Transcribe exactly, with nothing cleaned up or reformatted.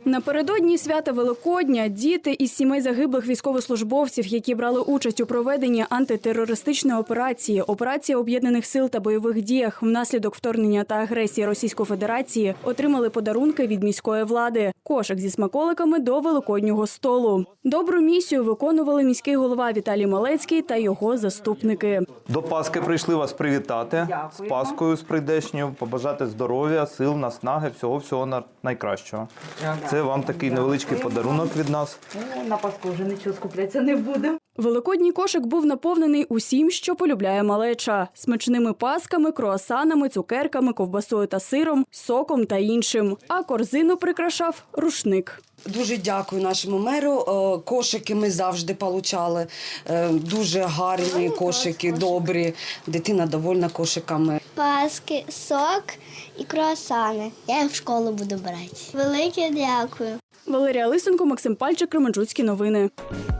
Напередодні свята Великодня діти із сімей загиблих військовослужбовців, які брали участь у проведенні антитерористичної операції, операції Об'єднаних сил та бойових діях внаслідок вторгнення та агресії Російської Федерації, отримали подарунки від міської влади – кошик зі смаколиками до великоднього столу. Добру місію виконували міський голова Віталій Малецький та його заступники. До Пасхи прийшли вас привітати. З Паскою, з прийдешньою, побажати здоров'я, сил, наснаги, всього-всього найкращого. Це вам такий невеличкий подарунок від нас. На Пасху вже нічого скуплятися не буде. Великодній кошик був наповнений усім, що полюбляє малеча – смачними пасками, круасанами, цукерками, ковбасою та сиром, соком та іншим. А корзину прикрашав рушник. Дуже дякую нашому меру. Кошики ми завжди отримали. Дуже гарні кошики, добрі. Дитина довольна кошиками. Паски, сок і круасани. Я їх в школу буду брати. Велике дякую. Валерія Лисенко, Максим Пальчик, Кременчуцькі новини.